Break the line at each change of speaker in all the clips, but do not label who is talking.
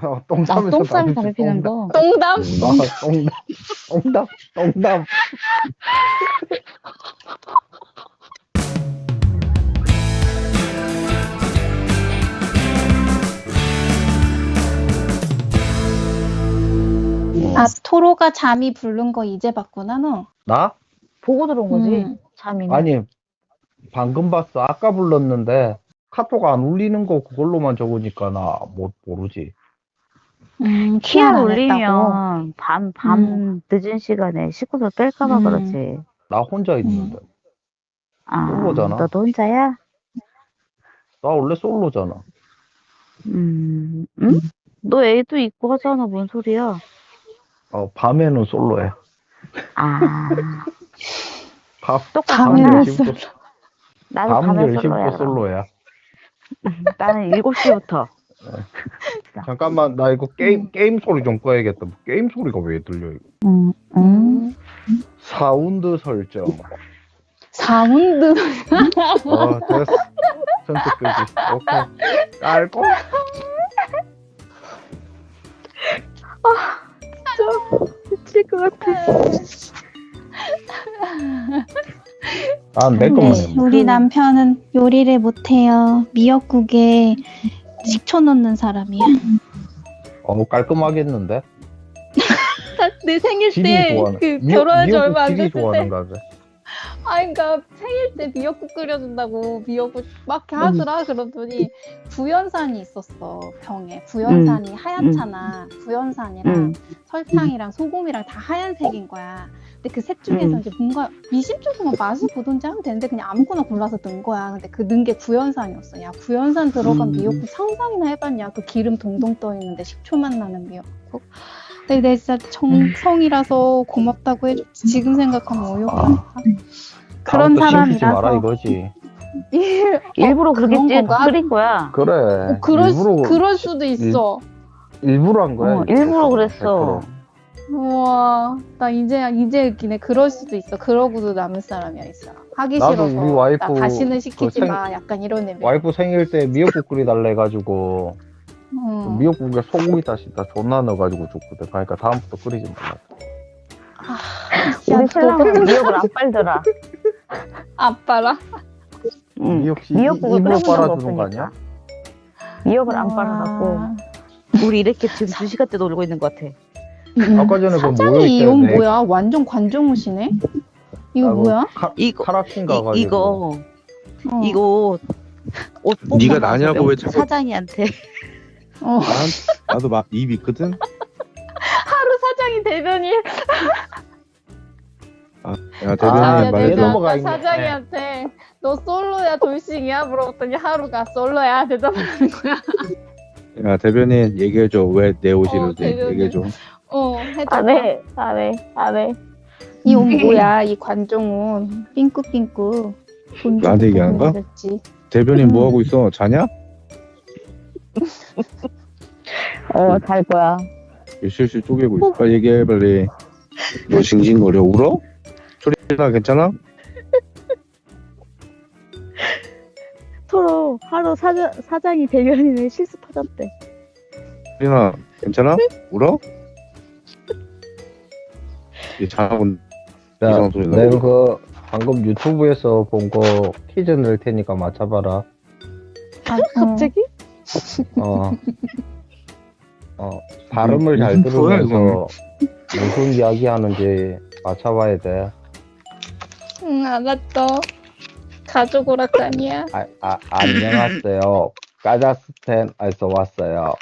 똥
똥
싸면서
싸면 담배 피는 거.
똥담?
똥담.
아, 토로가 잠이 부른 거 이제 봤구나, 너.
나?
보고 들어온 거지.
음.
잠이는.
아니, 방금 봤어. 아까 불렀는데, 카톡 안 울리는 거 그걸로만 적으니까 나 모르지.
키를
안 했다고.
올리면 밤 늦은 시간에 식구들 뺄까봐 그렇지.
나 혼자 있는데.
아,
솔로잖아.
너도 혼자야?
나 원래 솔로잖아.
응? 너 애도 있고 하잖아. 뭔 소리야?
밤에는 솔로해.
아,
밤
똑같구나.
10시부터,
나도
밤
밤에
10시부터
솔로야. 그럼.
솔로야.
나는 7시부터.
잠깐만, 나 이거 게임 소리 좀 꺼야겠다. 게임 소리가 왜 들려, 이거? 사운드 설정.
사운드.
됐어. 선택 끄지. 오케이. 깔고.
미칠 것 같아.
내 것만 해.
우리 남편은 요리를 못해요. 미역국에 식초 넣는 사람이야.
깔끔하게 했는데?
내 생일
지리
때
좋아하는.
결혼한 지 얼마 안
지리
됐을 때.
좋아하는가 봐.
그러니까 생일 때 미역국 끓여준다고 미역국 막 이렇게 하더라. 그러더니 구연산이 있었어, 병에. 구연산이 하얗잖아. 구연산이랑 설탕이랑 소금이랑 다 하얀색인 거야. 근데 그 셋 중에서 이제 뭔가 미심쩍으면 맛을 보든지 하면 되는데 그냥 아무거나 골라서 넣은 거야. 근데 그 넣은 게 구연산이었어. 야, 구연산 들어간 미역국 상상이나 해봤냐. 그 기름 동동 떠 있는데 식초만 나는 미역국. 근데 내 진짜 정성이라서 고맙다고 해줬지. 지금 생각하면 어이없다. 그런
다음부터 신기지
사람이라서.
마라 이거지.
일부러 그렇게
그런 건가?
끓인 거야.
그래.
그럴 수도 있어.
일부러 한 거야.
일부러 그랬어.
100%.
우와, 나 이제 웃기네. 그럴 수도 있어. 그러고도 남을 사람이야, 이 사람. 하기
나도
싫어서.
우리 와이프
나 다시는 시키지
그
마. 약간 이런 의미.
와이프 생일 때 미역국 끓이달래 해가지고 미역국에 소고기 다시 다 존나 넣어가지고 줬거든. 그러니까 다음부터 끓이지 말라.
우리 신랑은 미역을 안 빨더라.
아빠라.
미역국을
미역국을
입으로
끓여본 적
빨아주는 거 아니야?
미역을 안 빨아갖고 우리 이렇게 지금 2시간째 놀고 있는 것 같아.
아까 전에 그
사장이
모여있을
이건
때
뭐야? 완전 관종우시네? 이거 뭐야?
이거
카라킨 가가지고
이거 옷 뽑고
네가
나서
나냐고 왜 자꾸-
사장이한테
나도 막 입 있거든.
하루 사장이 대변이.
야 대변인
아,
말
내가
좀.
넘어가
아까
있네.
사장이한테 너 솔로야 돌싱이야? 물어봤더니 하루가 솔로야 대답하는 거야.
야 대변인 얘기해줘. 왜 내 옷이를
대변인.
얘기해줘.
해줘.
안 해.
이 옷 뭐야? 이 관종옷. 삥꾸삥꾸. 돈
나한테
주고
얘기하는 거야?
그랬지.
대변인 뭐 하고 있어? 자냐?
잘 거야.
실실 쪼개고 있어. 빨리 얘기해 빨리. 너 징징거려 울어? 소리나 괜찮아?
서로 하루 사장이 대변인을 실습하셨대.
소리나 괜찮아? 울어? 얘 자고
야,
이상한 소리 나.
내가 그 방금 유튜브에서 본 거 퀴즈 낼 테니까 맞춰봐라.
갑자기?
발음을 잘
무슨 소리야,
들으면서 무슨 이야기 하는지 맞춰봐야 돼.
응, 알았어. 가족 오락관이야.
안녕하세요. 카자흐스탄에서 왔어요.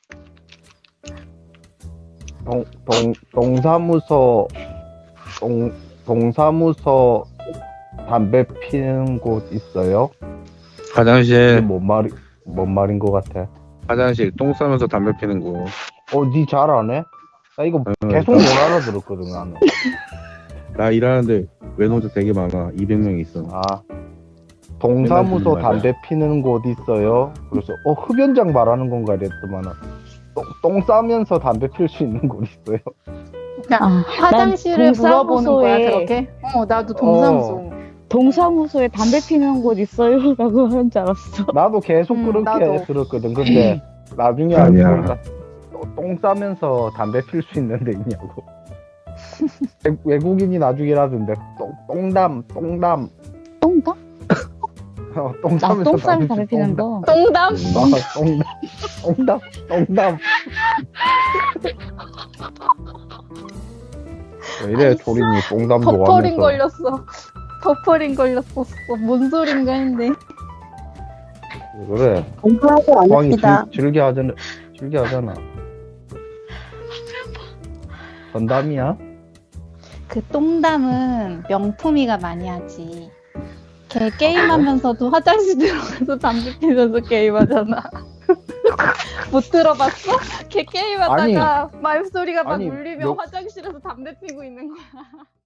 동사무소 담배 피는 곳 있어요? 이게
화장실
뭔 말인 것 같아?
화장실 똥 싸면서 담배 피는 거.
니 잘 안 해? 나 이거 계속 못 알아들었거든, 나는.
나 일하는데 외노자 되게 많아. 200명 있어.
동사무소
맨날 듣는
담배 피는 곳 있어요? 그래서, 흡연장 말하는 건가 이랬더만은, 똥 싸면서 담배 필 수 있는 곳 있어요?
화장실을
난
물어보는 거야,
동사무소에-
그렇게? 나도 동사무소.
동사무소에 담배 피는 곳 있어요? 라고 하는 줄 알았어.
나도 계속 그렇게
나도.
들었거든. 근데, 나중에
아니야.
알고 보니까, 똥 싸면서 담배 필 수 있는 데 있냐고. 외국인이 나중이라던데 똥담
똥다?
똥 싸면서
똥 싸면 담배 피는 거.
똥담?
똥담. 왜 이래 조린이 똥담
버퍼링
좋아하면서.
걸렸어. 버퍼링 걸렸었어. 뭔 소린가 했는데.
그래.
공부하지
호황이
않읍시다.
즐겨하잖아. 건담이야?
그 똥담은 명품이가 많이 하지. 걔 게임하면서도 화장실 들어가서 담배 피면서 게임하잖아. 못 들어봤어? 걔 게임하다가 말소리가 막
아니,
울리면 화장실에서 담배 피고 있는 거야.